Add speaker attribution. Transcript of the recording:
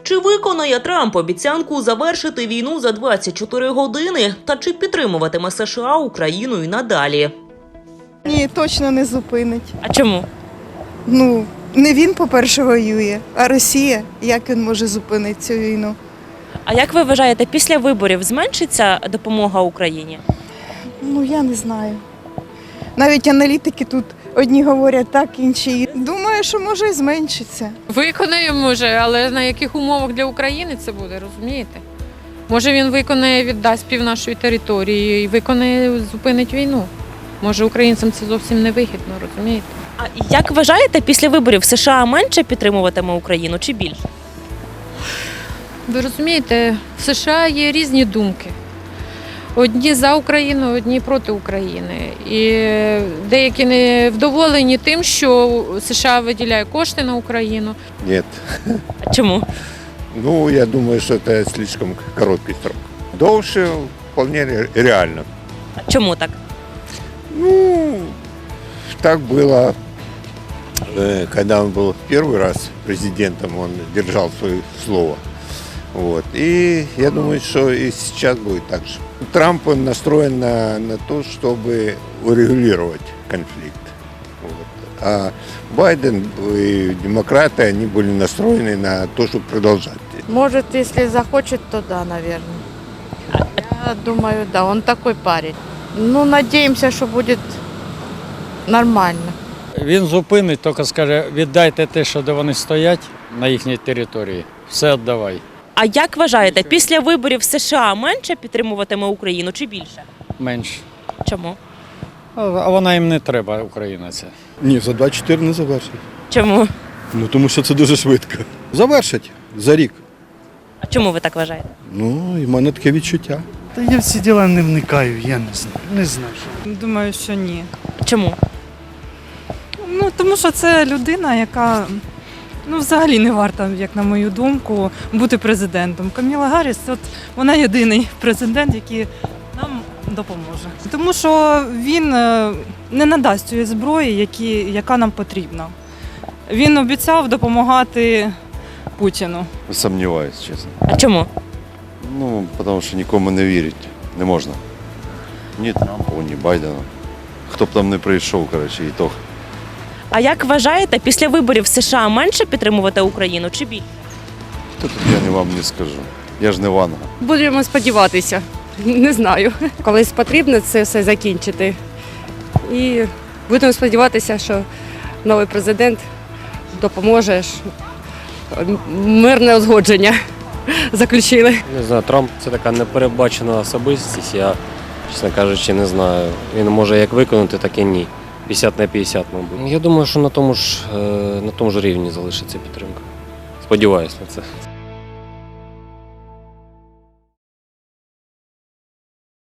Speaker 1: Чи виконає Трамп обіцянку завершити війну за 24 години? Та чи підтримуватиме США Україну і надалі?
Speaker 2: Ні, точно не зупинить.
Speaker 3: А чому?
Speaker 2: Не він, по-перше, воює, а Росія. Як він може зупинити цю війну?
Speaker 3: А як ви вважаєте, після виборів зменшиться допомога Україні?
Speaker 2: Я не знаю. Навіть аналітики тут одні говорять так, інші. Думаю, що може і зменшиться.
Speaker 4: Виконає, може, але на яких умовах для України це буде, розумієте? Може він виконає, віддасть пів нашої території і виконає, зупинить війну. Може українцям це зовсім не вигідно, розумієте?
Speaker 3: А як вважаєте, після виборів США менше підтримуватиме Україну чи більше?
Speaker 4: Ви розумієте, в США є різні думки. Одні за Україну, одні проти України. І деякі не вдоволені тим, що США виділяє кошти на Україну.
Speaker 5: Нет.
Speaker 3: А чому?
Speaker 5: Я думаю, что это слишком короткий срок. Дольше вполне реально.
Speaker 3: А чому так?
Speaker 5: Так было, когда он был первый раз президентом, он держал свое слово. И я думаю, что и сейчас будет так же. Трамп он настроен на то, чтобы урегулировать конфликт. А Байден и демократы, они были настроены на то, чтобы продолжать.
Speaker 6: Может, если захочет, то да, наверное. Я думаю, да, он такой парень. Надеемся, что будет нормально.
Speaker 7: Він зупинить, тільки скаже, віддайте те, що де вони стоять на їхній території, все віддавай.
Speaker 3: А як вважаєте, після виборів США менше підтримуватиме Україну чи більше?
Speaker 7: Менше.
Speaker 3: Чому?
Speaker 7: А вона їм не треба, Україна ця.
Speaker 8: Ні, за 24 не завершить.
Speaker 3: Чому?
Speaker 8: Тому що це дуже швидко. Завершить за рік.
Speaker 3: А чому ви так вважаєте?
Speaker 8: І в мене таке відчуття.
Speaker 9: Та я в ці діла не вникаю, я не знаю. Не знаю.
Speaker 10: Думаю, що ні.
Speaker 3: Чому?
Speaker 10: Тому що це людина, яка взагалі не варта, як на мою думку, бути президентом. Каміла Гарріс, вона єдиний президент, який нам допоможе. Тому що він не надасть цієї зброї, яка нам потрібна. Він обіцяв допомагати Путіну.
Speaker 11: Сумніваюсь, чесно.
Speaker 3: А чому?
Speaker 11: Тому що нікому не вірить не можна. Ні Трампу, ні Байдену. Хто б там не прийшов, ітог.
Speaker 3: А як вважаєте, після виборів США менше підтримувати Україну чи більше?
Speaker 11: Тут я вам не скажу. Я ж не Ванга.
Speaker 6: Будемо сподіватися. Не знаю. Колись потрібно це все закінчити. І будемо сподіватися, що новий президент допоможе. Мирне узгодження заключили.
Speaker 12: Не знаю, Трамп – це така непередбачена особистість, я, чесно кажучи, не знаю. Він може як виконати, так і ні. 50 на 50, мабуть. Я думаю, що на тому ж рівні залишиться підтримка. Сподіваюсь на це.